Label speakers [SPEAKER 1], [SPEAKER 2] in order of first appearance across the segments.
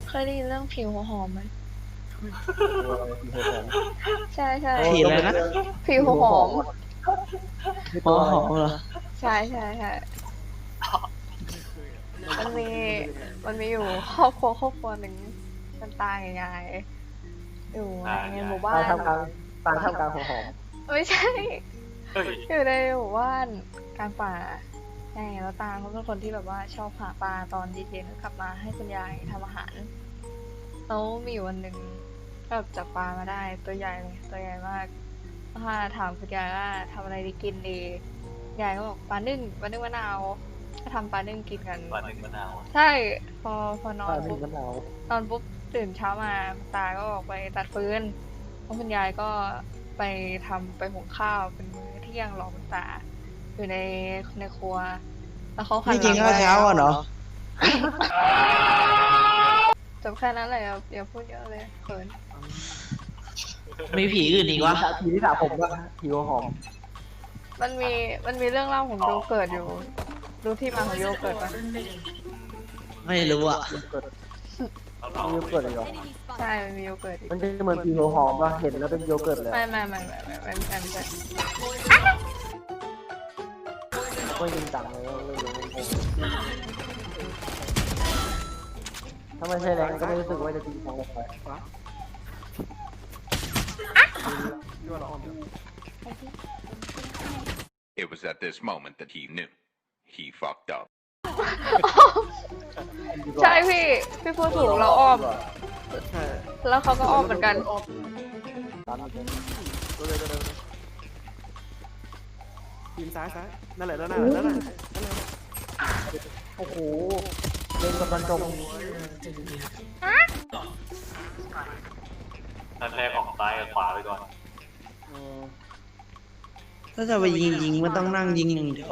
[SPEAKER 1] เคยได้ยินเรื่องผิวหัวหอมไหม
[SPEAKER 2] หัวหอม
[SPEAKER 1] ใช่ใช่
[SPEAKER 3] ผีอะไรนะ
[SPEAKER 1] ผิวหัวหอม
[SPEAKER 3] หัวหอมเหรอ
[SPEAKER 1] ใช่ใช่ใช่มันมีมันมีอยู่ครอบครัวหนึ่งมันตายกับยายอยู่ในหมู่บ้า
[SPEAKER 2] ตาย
[SPEAKER 1] น
[SPEAKER 2] ทำกลางตายทำกลางหัวหอม
[SPEAKER 1] ไม่ใช่
[SPEAKER 4] เฮ้ย
[SPEAKER 1] อยู่ในหมู่บ้านกลางป่าใช่แล้วตาเขาเป็นคนที่แบบว่าชอบหาปลาตอนเย็นๆกลับมาให้คุณยายทำอาหารแล้วมีอยู่วันหนึ่งก็แบบจับปลามาได้ตัวใหญ่เลยตัวใหญ่มากถ้าถามคุณยายว่าทำอะไรดีกินดียายก็บอกปลานึ่งมะนาวก็ทำปลานึ่งกินกัน
[SPEAKER 4] วันหนึ่งมะนาว
[SPEAKER 1] ใช่พอนอน
[SPEAKER 2] ตายหนึ่
[SPEAKER 1] ปุ๊
[SPEAKER 2] ง
[SPEAKER 1] บ
[SPEAKER 2] มะนาว
[SPEAKER 1] นอนปุ๊บตื่นเช้ามาตาก็ออกไปตัดฟืนแล้วคุณยายก็ไปหุงข้าวเป็นมื้อเที่ยงรอคุณตาอยู่ในครัว แล้วเขาหัน
[SPEAKER 3] นี่
[SPEAKER 1] ห
[SPEAKER 3] กิ
[SPEAKER 1] ลั
[SPEAKER 3] น
[SPEAKER 1] ง
[SPEAKER 3] ข้าวเช้าอ่ะเหรอ
[SPEAKER 1] จบแค่นั้นเลยครับอย่าพูดเยอะเลยเขิน
[SPEAKER 3] มีผีอื่นอีกวะ
[SPEAKER 2] ผีที่สาผมว่าผีหัวหอม
[SPEAKER 1] มันมีเรื่องเล่าของโยเกิร์ตอยู่รู้ที่มาของโยเกิร์ตปะ
[SPEAKER 3] ไม่รู้อ่ะ
[SPEAKER 2] เกิด
[SPEAKER 4] เรา
[SPEAKER 2] โยเกิร์ตเลยเหรอ
[SPEAKER 1] ใช่มันมีโยเกิร์ตอยู่
[SPEAKER 2] มันจะเหมือนผีหัวหอมป่ะเห็นแล้วเป็นโยเกิร์ตเลย
[SPEAKER 1] ไม่ใช่
[SPEAKER 2] ไม่จริงจังเลยไม่รู้ถ้าไม่ใช่แรงก็ไม่รู้สึกว่าจะจริงจังเลยไป
[SPEAKER 5] It was at this moment that he knew. He fucked up.
[SPEAKER 1] ใช่พี่พูดถูกเราอ้อม แล้วเขาก็อ้อมเหมือนกัน
[SPEAKER 2] ตามนี้
[SPEAKER 6] ทีมซ้ายนั่นแหละนั่นแหละนั่นแหละ
[SPEAKER 2] โอ้โหเล่นกับมันจม
[SPEAKER 4] นัดแรกออกซ้ายกับขวาไปก่อน
[SPEAKER 3] ถ้าจะไปยิงมันต้องนั่งยิงอย่างเดียว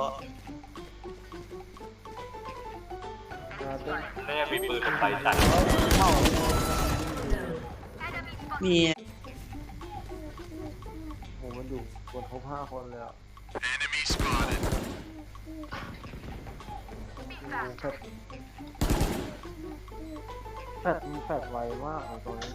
[SPEAKER 4] ไม่ได้มีปืนกับไฟใส่
[SPEAKER 3] มี
[SPEAKER 2] โอ้มันอยู่บนครบ5 คนเลยอ่ะ
[SPEAKER 5] Enemy spotted.
[SPEAKER 2] แฟดไวมากตรงนี้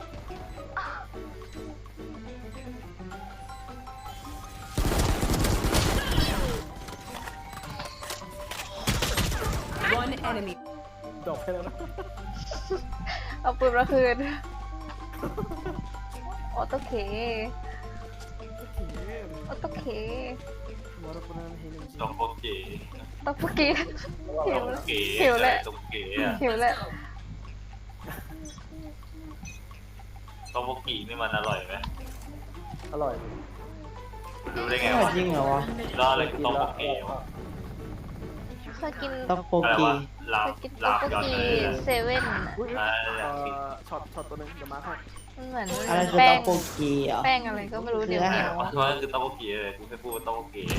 [SPEAKER 7] One enemy.
[SPEAKER 6] ดอกแค่นั้นนะ
[SPEAKER 1] เอาปืนมาคืนออโตเคออโตเค
[SPEAKER 6] มอร์ปนันเฮน
[SPEAKER 4] ตรงโปเก๋
[SPEAKER 1] ต้องพูดกี้
[SPEAKER 4] ต
[SPEAKER 1] หิ
[SPEAKER 4] ร
[SPEAKER 1] ว
[SPEAKER 4] ง
[SPEAKER 1] แล้ว
[SPEAKER 4] เก๋
[SPEAKER 1] หิวแล้ว
[SPEAKER 4] ตรงเก๋อะ
[SPEAKER 1] หิวแล้ว
[SPEAKER 4] ตรงโปเก๋นี่มันอร่อยไหม
[SPEAKER 2] อร่อย
[SPEAKER 4] รู้ได้ไง
[SPEAKER 3] ไม่
[SPEAKER 4] วะ
[SPEAKER 3] จริงเหรอวะ
[SPEAKER 4] รอดเลยตรงโปเก๋วะ
[SPEAKER 1] เคยกิน
[SPEAKER 3] ต๊อกโป
[SPEAKER 4] อะไร
[SPEAKER 3] กี
[SPEAKER 4] วะลา
[SPEAKER 1] เค
[SPEAKER 4] บ
[SPEAKER 1] ยกิน
[SPEAKER 4] ลา
[SPEAKER 1] ต๊อบ ก
[SPEAKER 4] ย้อน
[SPEAKER 1] กี
[SPEAKER 4] เลย
[SPEAKER 1] เซเว่น
[SPEAKER 6] ช็อตตัวนึงเดี๋ยวมาให้
[SPEAKER 1] มันเหมือน
[SPEAKER 3] อะไรคือ
[SPEAKER 1] แป้
[SPEAKER 3] ต๊อง กโปกีเหรอ
[SPEAKER 1] แป้งอะไรก็ไม่รู้เดี๋ยวเหนียว
[SPEAKER 4] มันคือตรงโปเก๋เลยกูไม่พูดว่าตรงโปเก๋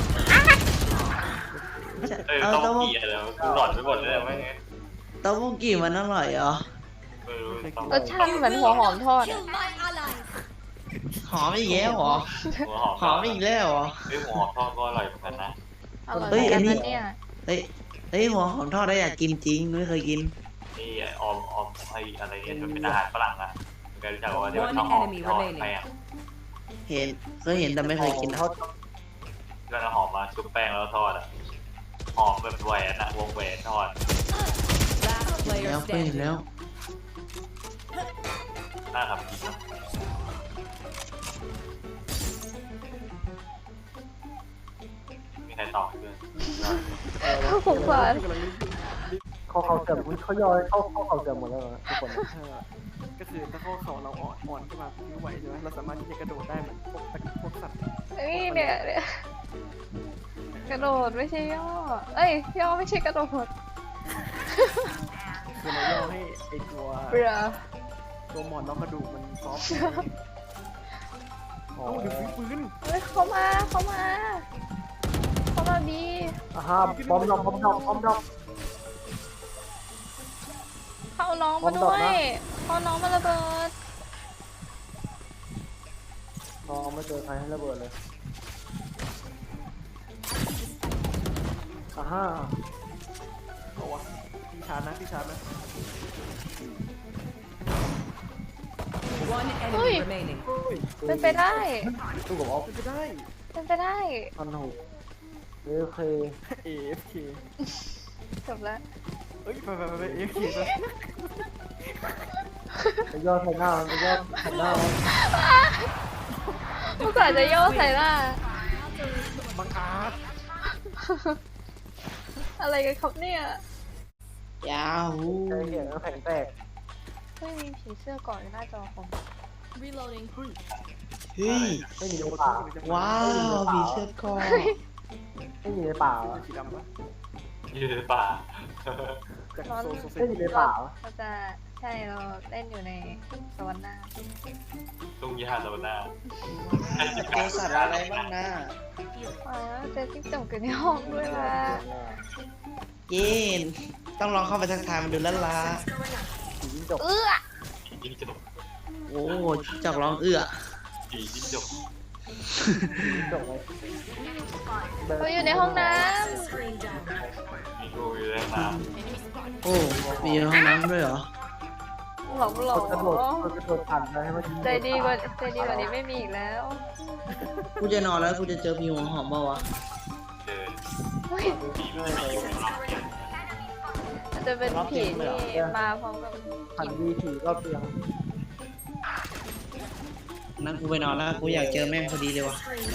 [SPEAKER 3] เอา
[SPEAKER 4] ตรง
[SPEAKER 3] ต๊อก
[SPEAKER 4] โป
[SPEAKER 3] โป
[SPEAKER 4] เก๋อะไรวะกูหลอนไปหมดเลยไม่งั้น
[SPEAKER 3] ต๊อกโปกีมันอร่อยเหรอ
[SPEAKER 4] ไม่รู้ต้อง
[SPEAKER 1] รสชาติเหมือนหัวหอมทอดอะ
[SPEAKER 3] หอมอีกแล้วเหรอ
[SPEAKER 4] หัวหอม
[SPEAKER 3] หอมอีกแล้วเหรอ
[SPEAKER 4] เฮ้ยหัวหอมทอดก็อร่อยเหมือนกันนะ
[SPEAKER 1] อร่อย
[SPEAKER 3] เฮ้ย
[SPEAKER 1] เหมือนกัน
[SPEAKER 3] อันนี้
[SPEAKER 1] นะเนี่ย
[SPEAKER 3] เฮ้ยหัวหอมทอดได้อยากกินจริงไม่เคยกิน
[SPEAKER 4] นี่ออมไออะไรเนี่ยมันเป็นอาหารฝรั่งอะเคยรู้จักว่าเดี๋ยวชอบหอมทอดไปอ่ะ
[SPEAKER 3] เห็นเคยเห็นแต่ไม่เคยกิน
[SPEAKER 2] ทอ
[SPEAKER 3] อะ
[SPEAKER 2] ด
[SPEAKER 4] ก็เอาหอมมาชุบแป้งแล้วทอดอ่ะหอมแบบแหวนอะวงแหวนทอด
[SPEAKER 7] Last
[SPEAKER 3] แล้
[SPEAKER 7] player
[SPEAKER 3] วเคยเห็น
[SPEAKER 7] standing.
[SPEAKER 3] แล้ว
[SPEAKER 4] น่าทำกินนะมีใครตอบด้วย
[SPEAKER 1] สงสาร
[SPEAKER 2] เขาเสื่อมเขาย่อยเขาเสื่อมหมดแล้วทุกคน
[SPEAKER 6] ก็คือถ้าข้อเข่าเราอ่อนขึ้นมาผิวไหวใช่ไหมเราสามารถที่จะกระโดดได้เหมือนพวกสัตว์
[SPEAKER 1] นี่เนี่ยกระโดดไม่ใช่ย่อ เอ้ยย่อไม่ใช่กระโดด
[SPEAKER 6] คือเราย่อให้ไอตัว
[SPEAKER 1] เบื่อ
[SPEAKER 6] ตัวหมอนรองกระดูกมันซอฟต์
[SPEAKER 2] อ๋อ
[SPEAKER 6] เอ้าเดี๋ยวฟื้น
[SPEAKER 1] เฮ้ยเข้ามาบี
[SPEAKER 2] ฮ่าบอมดอก
[SPEAKER 1] เข้าน้องมาด้วยเข้าน้องมาระเบิด
[SPEAKER 2] น้องไม่เจอใครให้ระเบิดเลยฮ่า
[SPEAKER 6] เอาวะพี่ชาร์จนะ
[SPEAKER 7] One enemy remaining.
[SPEAKER 1] เป็นไปได้
[SPEAKER 2] ตู้กับออฟ
[SPEAKER 6] เป็นไปได้
[SPEAKER 1] เป็นไปได้
[SPEAKER 2] มันหูโอเค
[SPEAKER 6] AFK
[SPEAKER 1] จบแล้ว
[SPEAKER 6] เอ้ยไป AFK ไป
[SPEAKER 2] ไปย่อใส่หน้ามันไปย่อใส่หน้ามัน
[SPEAKER 1] อุตส่าห์จะโย่ใส่หน้า
[SPEAKER 6] บังอาจ
[SPEAKER 1] อะไรกันครับเนี่ย
[SPEAKER 3] ยาฮู
[SPEAKER 2] ใจเขียนแล้วแข็งแตก
[SPEAKER 1] ไม่มีผีเสื้อเก่อนหน้าจอผม
[SPEAKER 7] Reloading.
[SPEAKER 3] เฮ้ย
[SPEAKER 2] ไม่มีในป่า
[SPEAKER 3] ว้าวผีเสื้อคอ
[SPEAKER 2] ไม่มีในป่า
[SPEAKER 6] สีดำปะ
[SPEAKER 4] อยู่ในป่า
[SPEAKER 6] จากโซโซเซ
[SPEAKER 2] ไม่มีในป่า
[SPEAKER 1] เราจะใช่เราเล่นอยู่ในสวรรค์หน้า
[SPEAKER 4] ตรงยาโซน่า
[SPEAKER 3] เจอสัตว์อะไรบ้างนะ
[SPEAKER 1] อ๋อเจอจิ้งจกอยู่ในห้องด้วยว่ะ
[SPEAKER 3] เย็นต้องลองเข้าไปทักทายมันดูแล้วล่ะ
[SPEAKER 2] ผีจิ้งจก
[SPEAKER 4] จิ้งจก
[SPEAKER 3] โอ้จอกร้องเอื้อ
[SPEAKER 4] ผีจิ้งจก
[SPEAKER 2] จิ้งจกเลย
[SPEAKER 1] เขาอยู่ในห้องน้
[SPEAKER 4] มีงูอยู่ในน้
[SPEAKER 3] โอ้มีห้องน้ำด้วยเหรอ
[SPEAKER 1] ำหลงหลง
[SPEAKER 2] กระโดดผ่านไปให้มัน
[SPEAKER 1] ใจดีกว่านี้ไม่มีอีกแล้ว
[SPEAKER 3] กูจะนอนแล้วกูจะเจอผีหัวหอมเปล่าวะ
[SPEAKER 4] ำเดิน
[SPEAKER 1] เฮ้ย
[SPEAKER 4] ผีมันไม่อยู่ในรอบ
[SPEAKER 1] มันจะเป็นผีที่มาพร้อมกับ
[SPEAKER 2] ผ่านดีผีรอบเตียง
[SPEAKER 3] นั่นกูไปนอนแล้วกูอยากเจอแม่งพอดีเลยวะ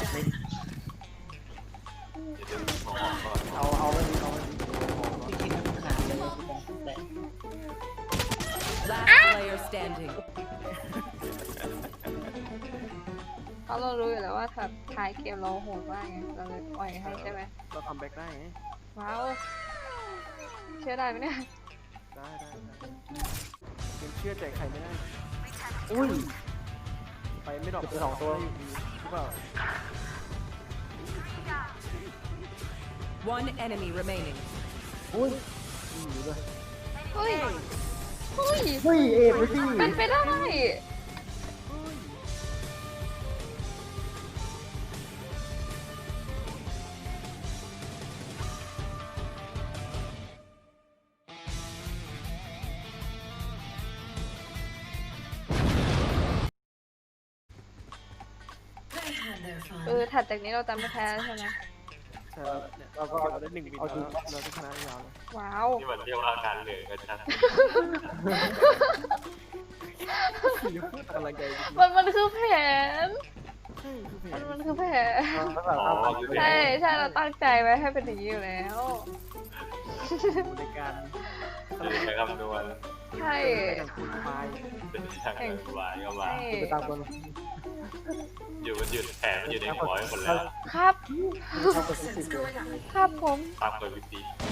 [SPEAKER 4] เดี๋ยวหัวหอมก่อน
[SPEAKER 2] เอาไม่ดีเอาไม่ดี
[SPEAKER 3] พี่คิดว่าขาดเลยแต่
[SPEAKER 7] Last player standing.
[SPEAKER 1] เพราะเรารู้อยู่แล้วว่าถ้าท้ายเกมเราโหดมากไงเราเลยปล่อยให้ใช่ไหม
[SPEAKER 6] เราทำแบ็กได้ไง
[SPEAKER 1] ว้าวเชื่อได้ไหมเนี่ย
[SPEAKER 6] ได้ยังเชื่อใจใครไม่ได้
[SPEAKER 2] อุ้ย
[SPEAKER 6] ไปไม่ดรอป
[SPEAKER 2] เก็บไปสองตัว
[SPEAKER 6] ได้อยู่ดีหรือเปล่า
[SPEAKER 7] One enemy remaining.
[SPEAKER 2] อุ้ยผีด้วย
[SPEAKER 1] เฮ้ยเฮ้ย
[SPEAKER 2] เฮ้ยเอ็ไปสิ
[SPEAKER 1] เป็นไปได้ ถัดจากนี้เราจะไม่แพ้แล้วใช่ไหม
[SPEAKER 6] ใช่แล้วเนี่ยเราก็ได้1 วินแล้วเราจะชนะยาวเลย
[SPEAKER 1] ว้าว
[SPEAKER 4] นี่มันเรียกว่าอาการเหลือกันชัด
[SPEAKER 6] อย่าพูดอะไรใจจริง
[SPEAKER 1] มันคือแผน
[SPEAKER 6] ๆใช่คือเพลง
[SPEAKER 1] มันคือแผน
[SPEAKER 4] อ๋อคือ
[SPEAKER 1] ใช่ใช่เราตั้งใจไว้ให้เป็นอย่างนี้อยู่แล้ว
[SPEAKER 6] ในการ
[SPEAKER 4] ใช้คำนวณ
[SPEAKER 1] ใช่
[SPEAKER 6] อย่างคุณพาย
[SPEAKER 4] เป็นทางการวายก็มา
[SPEAKER 1] ใช่
[SPEAKER 2] ไปตามคน
[SPEAKER 4] อยู่มันหยุดแผนมันอยู่ในหัวไปหมดแล้ว
[SPEAKER 1] ครับ
[SPEAKER 2] ทำเป็นสิบเลย
[SPEAKER 1] ครับผม
[SPEAKER 4] ตามกฎวิธี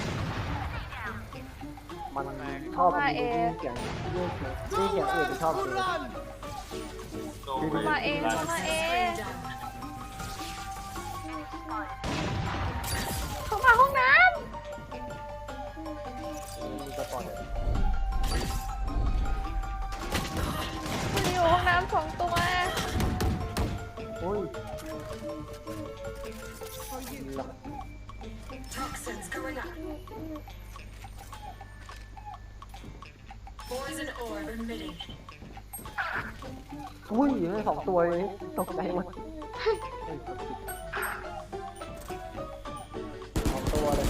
[SPEAKER 2] มันชอบเสียงนี่เสียงอื่นชอบเลย
[SPEAKER 1] เข้ามาเองเข้ามาเองเข้ามาห้องน้
[SPEAKER 2] มีสปอร์ต
[SPEAKER 1] ำมันอยู่ห้องน้ำ2 ตัว
[SPEAKER 2] อุ้ย
[SPEAKER 8] Toxins going up. Poison orb emitting.
[SPEAKER 2] อุ้ยอยู่ใน2 ตัวเลยตกใจหมด2 ตัวเลย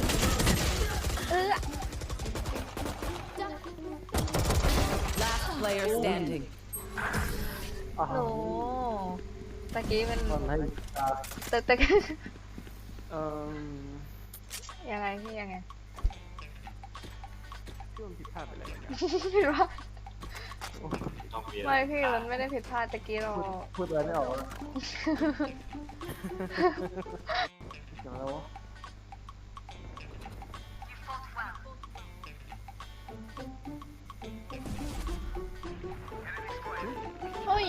[SPEAKER 7] Last player standing.
[SPEAKER 2] อ่ะ
[SPEAKER 1] โอ้ตะกี้มัน
[SPEAKER 2] ตอนให้
[SPEAKER 1] แต่
[SPEAKER 6] เอ่อ
[SPEAKER 1] ยังไงพี่ยังไง
[SPEAKER 6] ช่วงผิดพลาดไปอะไรบางอย่าง
[SPEAKER 1] ผิดพลาด
[SPEAKER 4] ต้องมี
[SPEAKER 1] ไม่พี่มันไม่ได้ผิดพลาดตะกี้เรา
[SPEAKER 2] พูดอะไรไม่ออกแล้วเสียงแล้ว
[SPEAKER 1] เฮ้ย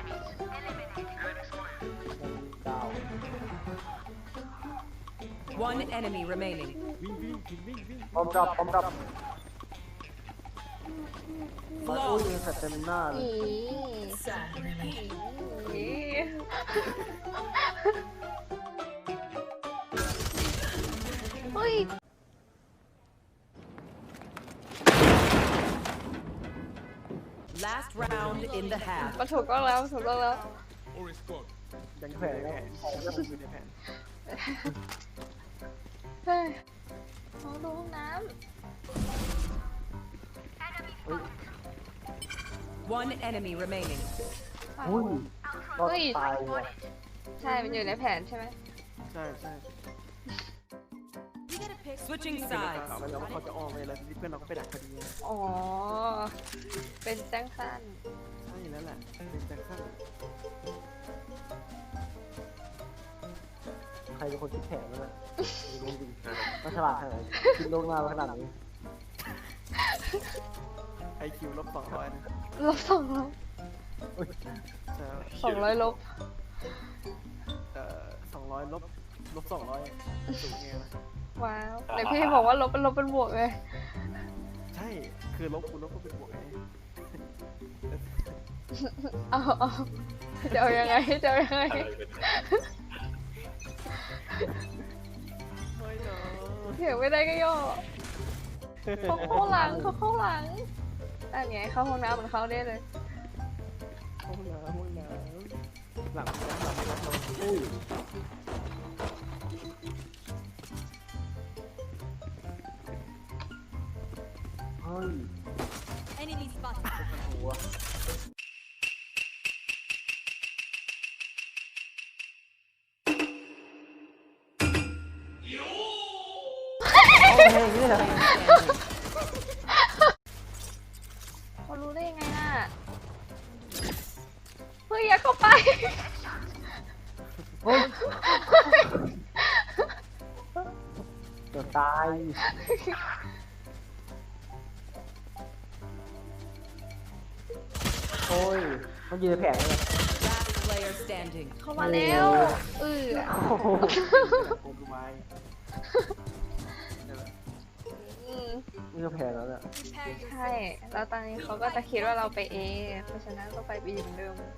[SPEAKER 2] ดาว
[SPEAKER 7] One enemy remaining.
[SPEAKER 6] วิ่ง
[SPEAKER 2] พร้อมดับมันอุ้ยมีสเต็มหน้าเลย
[SPEAKER 1] อี
[SPEAKER 8] Sad, really.
[SPEAKER 1] อีเฮ้ย
[SPEAKER 7] Last round in the half.
[SPEAKER 1] มันถูกต้องแล้วถูกต้องแล้ว
[SPEAKER 6] ยังแผนแล้วอยู่ในแผน
[SPEAKER 1] เฮ้ยเขาดูห้องน้
[SPEAKER 7] One enemy remaining.
[SPEAKER 1] ำ
[SPEAKER 2] อุ้ยรอดตายว่ะ
[SPEAKER 1] ใช่ มันอยู่ในแผนใช่ไหม
[SPEAKER 6] ใช่ใช่
[SPEAKER 7] Switching
[SPEAKER 6] ข่าว
[SPEAKER 7] sides.
[SPEAKER 6] ไปแล้วว่าเขาจะออกไปแล้วทีนี้เพื่อนเราก็ไปดักพอดี
[SPEAKER 1] อ๋อ เป็นแจ้งสั้น
[SPEAKER 6] ใช่แล้วแหละเป็นแจ็คสัน
[SPEAKER 2] ใครเป็นคนคิดแผนนั่นแหละไม่รู้จริงมันฉลาดขนาดไหนคิดล่วงหน้ามาขนาดนี้
[SPEAKER 6] IQ -200นะ
[SPEAKER 1] ลบ200
[SPEAKER 6] ใช่
[SPEAKER 1] 200 ลบ
[SPEAKER 6] 200ลบ200สูงไงนะ
[SPEAKER 1] ว้าวไหนพี่บอกว่าลบเป็นลบเป็นบวกเลย
[SPEAKER 6] ใช่คือลบคูณลบก็เป็นบวกไง
[SPEAKER 1] เอาจะเอายังไงจะเอายังไง
[SPEAKER 4] อะไรเป็น
[SPEAKER 6] ไม่เนาะ
[SPEAKER 1] เถียงไม่ได้ก็ย่อเขาเข้าหลังเขาเข้าหลังอันไงเข้าห้องน้ำเหมือนเขาได้เลย
[SPEAKER 6] ห้องน้ำหลังเราอุ้ย
[SPEAKER 2] เฮ้ย
[SPEAKER 9] Enemy spotted.
[SPEAKER 2] หัวเอาเพลงนี่เหรอ
[SPEAKER 1] เขารู้ได้ยังไงน่ะเฮ้ยอย่าเข้าไป
[SPEAKER 2] เฮ้ยเดี๋ยวตายโอ้ยมันยืนในแผงเลย
[SPEAKER 7] Last player standing.
[SPEAKER 1] เข้ามาแล้ว
[SPEAKER 2] โ
[SPEAKER 1] เออ
[SPEAKER 6] โอ้ดูไว้
[SPEAKER 1] อืม
[SPEAKER 2] นี่ก็แผงแล้วเนี่ย
[SPEAKER 1] ใช่ แล้วตอนนี้เขาก็จะคิดว่าเราไป A เพราะฉะนั้นก็ไป B เหมือนเดิม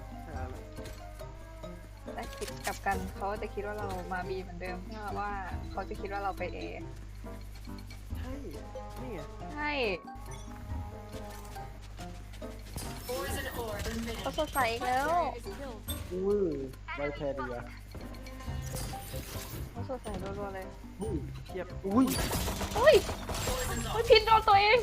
[SPEAKER 1] แต่คิดกลับกันเขาจะคิดว่าเรามา B เหมือนเดิมเพราะว่าเขาจะคิดว่าเราไป A
[SPEAKER 6] ใช่นี่ไง
[SPEAKER 1] ใช่
[SPEAKER 8] Poison orb emitting.
[SPEAKER 1] เขาสดใสอีกแล้ว
[SPEAKER 2] อุ้ยไวแพรดีอะ
[SPEAKER 1] เขาสดใสรัวๆเลย
[SPEAKER 2] อุ้ย
[SPEAKER 6] เทียบ
[SPEAKER 2] อุ้ย
[SPEAKER 1] อุ้ยอุ้ยพินโดนตัวเอง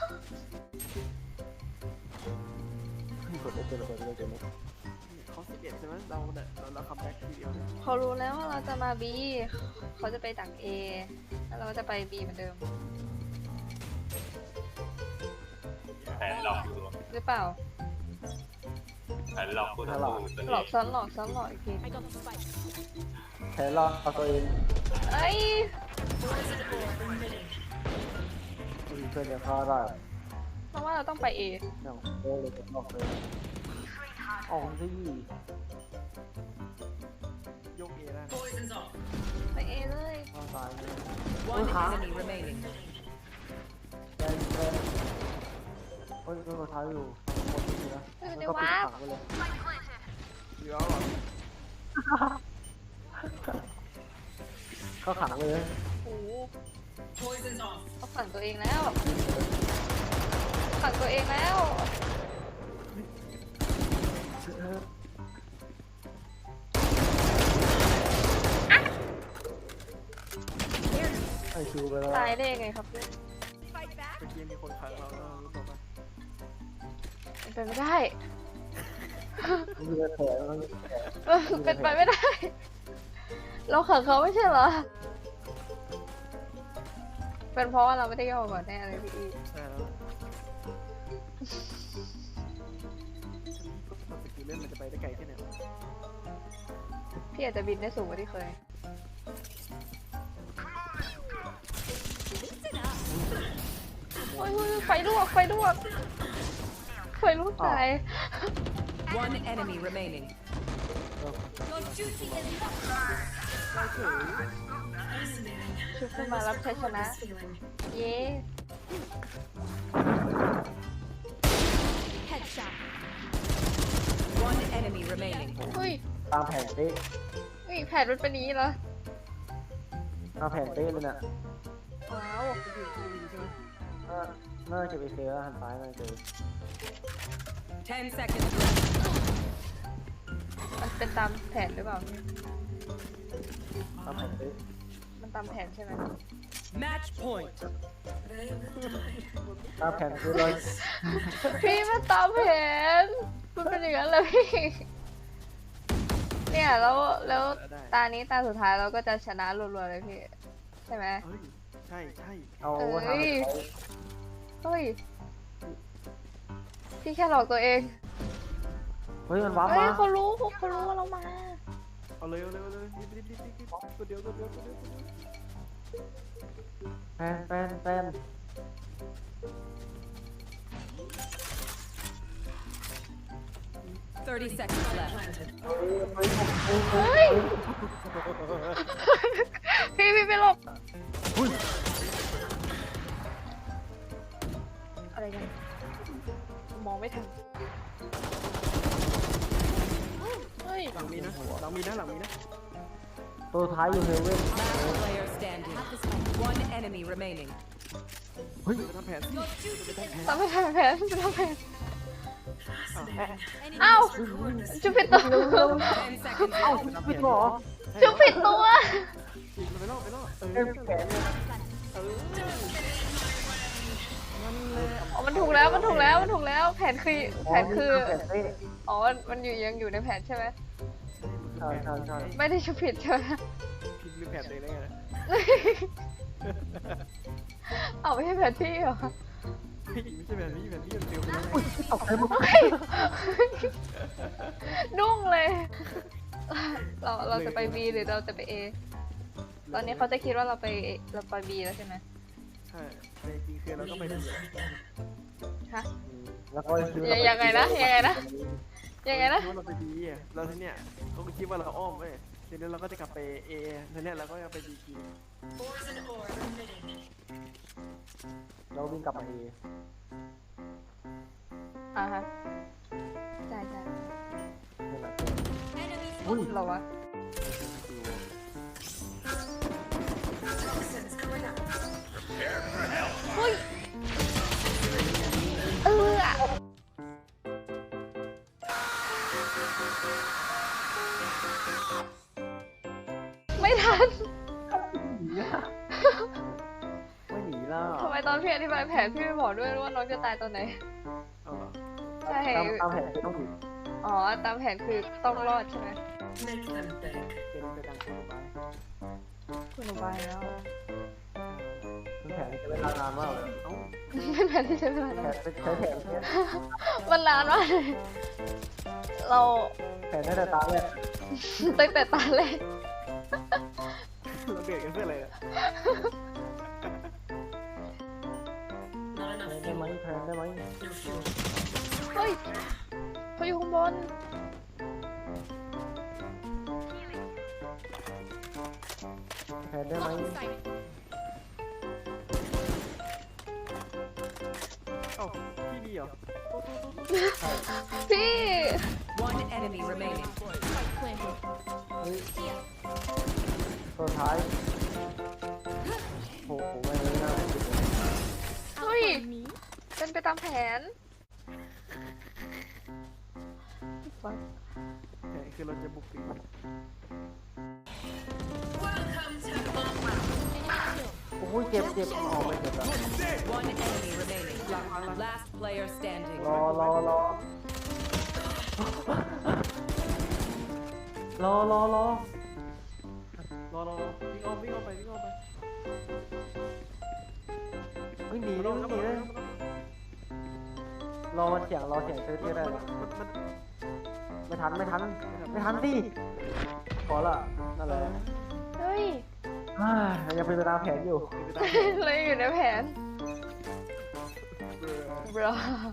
[SPEAKER 2] กดได้เจอเลยเจอเลย
[SPEAKER 6] เขา11ใช่ไหมเราคัมแบ็กทีเดียว
[SPEAKER 1] เขารู้แล้วว่าเราจะมา B เขาจะไปดัก A แล้วเราก็จะไป B เหมือนเดิม
[SPEAKER 4] แผนหลอกลวง
[SPEAKER 1] หรือเปล่า
[SPEAKER 4] แผนหลอกผู้ต่อสู้
[SPEAKER 1] หลอกซ้อนหลอกซ้อนหลอกอีกที
[SPEAKER 9] I got the spike.
[SPEAKER 2] แผลรอเอาตัวเอง
[SPEAKER 1] เอ้ย
[SPEAKER 8] Poison orb emitting.
[SPEAKER 2] อุ้ยเพื่อนยังเข้าได้
[SPEAKER 1] เพราะว่าเราต้องไป A
[SPEAKER 2] เนี่ยโอ้เลยจะออกเลยออกที่
[SPEAKER 6] ยกเอได้
[SPEAKER 8] Poison's off.
[SPEAKER 1] ไป A เลย
[SPEAKER 2] เข้าตายเลย
[SPEAKER 7] One enemy remaining.
[SPEAKER 2] แดงแดงโอ้ยรองเท้าอยู่หมดทีนะมันก็ปิดขังไปเลย
[SPEAKER 6] เดี๋ยวหรอ
[SPEAKER 2] ก็ขังเลย
[SPEAKER 1] โอ้โห
[SPEAKER 8] Poison's off.
[SPEAKER 1] เขาฝังตัวเองแล้วฝังตัวเองแล้ว
[SPEAKER 2] ไอคิวไปแล้ว
[SPEAKER 1] ตายได้ยังไงครับเพื่อน
[SPEAKER 6] เมื่อกี้มีคนขังเรารู้ตัวปะ
[SPEAKER 1] เป็นไปไม่ได้
[SPEAKER 2] มันยืนแผลมันยืนแผล
[SPEAKER 1] เป็นไปไม่ได้ เราขังเขาไม่ใช่เหรอ เป็นเพราะว่าเราไม่ได้ย่อก่อนแน่เลยพี่อี
[SPEAKER 6] ใช่แล้วสกิลเล่นมันจะไปได้ไกลแค่ไหน
[SPEAKER 1] พี่อาจจะบินได้สูงกว่าที่เคย โอ้ยไฟลวกไฟลวกไฟลวกตาย
[SPEAKER 7] One enemy remaining.
[SPEAKER 9] Your duty is not.
[SPEAKER 1] ชุบขึ้นมารับชัยชนะ
[SPEAKER 8] Feeling.
[SPEAKER 1] เย้
[SPEAKER 9] Headshot.
[SPEAKER 7] One enemy remaining.
[SPEAKER 1] เฮ้ย
[SPEAKER 2] ตามแผนเป๊ะ
[SPEAKER 1] เฮ้ยแผนมันเป็นอย่างนี้เหรอ
[SPEAKER 2] ตามแผนเป๊ะเลยน่ะ
[SPEAKER 1] ว้าว
[SPEAKER 2] น่าจะไปเซอร์หันซ้ายน่าจะ
[SPEAKER 7] 10 seconds left.
[SPEAKER 1] มันเป็นตามแผนหรือเปล่าพี่
[SPEAKER 2] ตามแผนสิ
[SPEAKER 1] มันตามแผนใช่ไหม
[SPEAKER 7] Match point.
[SPEAKER 2] ตามแผนคือเรา
[SPEAKER 1] พี่มันตามแผนมันเป็นอย่างนั้นเลยพี่เนี่ยแล้วตานี้ตาสุดท้ายเราก็จะชนะรัวๆเลยพี่ใช่ไหม
[SPEAKER 6] เฮ้ยใช่ใช่
[SPEAKER 2] เอา
[SPEAKER 1] เอ้
[SPEAKER 2] ทำ
[SPEAKER 1] ย
[SPEAKER 2] ให้เขา
[SPEAKER 1] เฮ้ยพี่แค่หลอกตัวเอง
[SPEAKER 2] เฮ้ยมันว้าร์ป
[SPEAKER 1] เฮ้ย
[SPEAKER 2] มา
[SPEAKER 1] เขารู้ว่าเรามา
[SPEAKER 6] เอาเลยเอาเลยเอาเลยรีบตัวเดียวตัวเดียวตัวเดียว
[SPEAKER 2] แฟน
[SPEAKER 7] 30 seconds left.
[SPEAKER 1] เฮ้ยพี่ไปหลบอะไรกันมองไม่ทันเฮ้ย
[SPEAKER 6] หลังมีนะหลังมีนะหลังมีนะ
[SPEAKER 2] ตัวท้ายอยู่เฮเว่น
[SPEAKER 7] Last player standing. One enemy remaining.
[SPEAKER 2] เฮ้ย
[SPEAKER 6] จะทำแผน
[SPEAKER 9] Your duty is
[SPEAKER 1] ทำไมทำแผนจะทำแผน
[SPEAKER 9] enemy
[SPEAKER 1] เอ้าจุดผิดตัว
[SPEAKER 7] 10 seconds
[SPEAKER 2] เอ้า
[SPEAKER 7] left.
[SPEAKER 2] ผิดเหรอ
[SPEAKER 1] จุดผิดตัว
[SPEAKER 6] ไปรอบเออ
[SPEAKER 2] เอ็มแผนเนี่ย
[SPEAKER 1] อ๋อมันถูกแล้ว แผนคือแผนคือ
[SPEAKER 2] แผนสิ
[SPEAKER 1] อ๋อมันยังอยู่ในแผนใช่ไหม
[SPEAKER 2] ใช่
[SPEAKER 1] ไม่ได้ชุดผิดใช่ไหม
[SPEAKER 6] คิดลืมแผนตัวเองได้ไง
[SPEAKER 1] เอาไม่ใช่แผนที่เหรอ
[SPEAKER 6] ไม่ใช่แผนนี้มันเร็วไปแล้ว
[SPEAKER 2] ตกใจหมด
[SPEAKER 1] นุ่งเลย เราจะไป B หรือเราจะไป A ตอนนี้เขาจะคิดว่าเราไป B แล้วใช่ไหม
[SPEAKER 6] ใช่แต่จริงคือเราต้องไปดู
[SPEAKER 1] ฮะ
[SPEAKER 2] แล้วก็คิดว่า
[SPEAKER 1] ยังไงนะ
[SPEAKER 6] คิดว่าเราไปดีอ่ะเราทีเนี้ยเขาคิดว่าเราอ้อมเว้ยทีนี้เราก็จะกลับไปเอทีเนี้ยเราก็จะไปดีกี
[SPEAKER 8] Poison orb emitting.
[SPEAKER 2] เราวิ่งกลับมาเอ
[SPEAKER 1] อ่าฮะใช่
[SPEAKER 2] นี่แหละ
[SPEAKER 9] enemy
[SPEAKER 2] อุ้ย
[SPEAKER 1] เราวะ
[SPEAKER 8] Toxins going up.
[SPEAKER 1] เฮ้ยไม่ทัน
[SPEAKER 2] ไม่หนีแล้ว
[SPEAKER 1] ทำไมตอนพี่อธิบายแผนพี่ไม่บอกด้วยว่าน้องจะตายตอนไหน
[SPEAKER 6] เอาเหรอ
[SPEAKER 1] ใช่
[SPEAKER 2] ตามแผนคือต้องหนี
[SPEAKER 1] อ๋อ ตามแผนคือต้องรอดใช่ไหม
[SPEAKER 8] Make them beg.
[SPEAKER 6] เป็นไปดังตัวไป
[SPEAKER 1] คุณอุบายแล้ว
[SPEAKER 2] คือแผนจะเวลานานมากเลย
[SPEAKER 6] เอ้า
[SPEAKER 1] เป็นแผนที่ใช้เวลา
[SPEAKER 2] แผ
[SPEAKER 1] นาน
[SPEAKER 2] นใช้แผนเนี่ย
[SPEAKER 1] มันนานมากเลยเรา
[SPEAKER 2] แผนได้แต่ตาแรก
[SPEAKER 1] ตั้งแต่ตอนแรก
[SPEAKER 6] เราเดือดกันเพื่ออะไรอ่ะ
[SPEAKER 8] Not
[SPEAKER 2] แผ
[SPEAKER 8] enough
[SPEAKER 2] นได้ไหม
[SPEAKER 8] fuel.
[SPEAKER 2] แผนได้ไหม
[SPEAKER 8] No fuel.
[SPEAKER 1] เฮ้ยเขาอยู่ข้างบน
[SPEAKER 2] แผนได้ไหม
[SPEAKER 6] เอ้าพี่ดีเหรอ
[SPEAKER 1] พี่
[SPEAKER 7] One enemy remaining.
[SPEAKER 2] เฮ้ยตัวท้ายโอ้โหไม่เลยน่าคิดเลย
[SPEAKER 1] เฮ้ยเป็นไปตามแผน
[SPEAKER 6] แต่คือเราจะบุกตี
[SPEAKER 8] Welcome to Mumbai.
[SPEAKER 2] โอ้ยเจ็บออกไม่เจ็บแล้ว
[SPEAKER 7] One enemy remaining. Last player standing.
[SPEAKER 2] รอวิ่งออกไป ไม่หนีเลยรอมันเสียงเซอร์ที่ได้ไม่ทันสิขอละนั่นแหละ
[SPEAKER 1] เฮ้ย
[SPEAKER 2] ยังเป็นไปตามแผนอยู่
[SPEAKER 1] เราอยู่ในแผนบรอ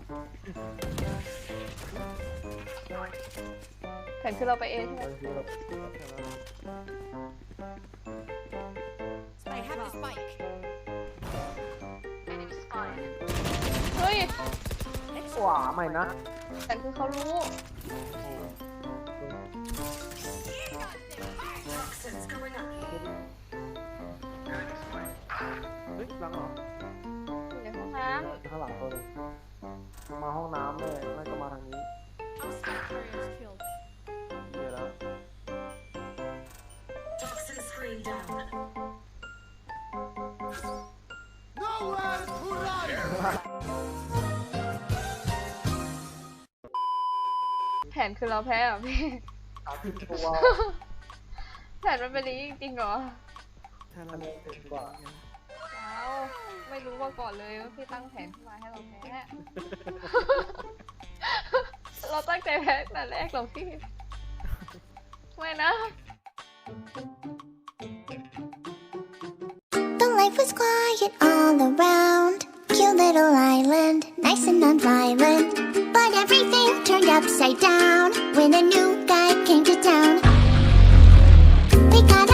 [SPEAKER 1] แผนคือเราไปเองใช่ไหม
[SPEAKER 9] I have the spike.
[SPEAKER 1] เฮ้ย
[SPEAKER 2] ว้าไม่นะ
[SPEAKER 1] แผนคือเขารู้
[SPEAKER 8] Toxins going up.
[SPEAKER 6] เฮ้ยหลังเหรอ
[SPEAKER 1] อยู่ในห้องน้
[SPEAKER 2] ข้างหลังตัวนึงมาห้องน้ำเลยไม่ก็มาทางนี้
[SPEAKER 9] Carriers killed.
[SPEAKER 2] เดี๋ยวแล้ว
[SPEAKER 8] Toxin screen down.
[SPEAKER 1] แผนคือเราแพ้เหรอพี่
[SPEAKER 2] 30 ตัว
[SPEAKER 1] แผนมันเป็นอย่างนี้จริงๆเหรอ
[SPEAKER 6] ถ้าเรา
[SPEAKER 2] กว่า
[SPEAKER 1] ว้าวไม่รู้มาก่อนเลยว่าพี่ตั้งแผนขึ้นมาให้เราแพ้ เราตั้งใจแพ้ตั้งแต่แรกหรอกพี่ ไม่นะ
[SPEAKER 10] The life was quiet all around. Cute little island, nice and non-violent. But everything turned upside down when a new guy came to town. They got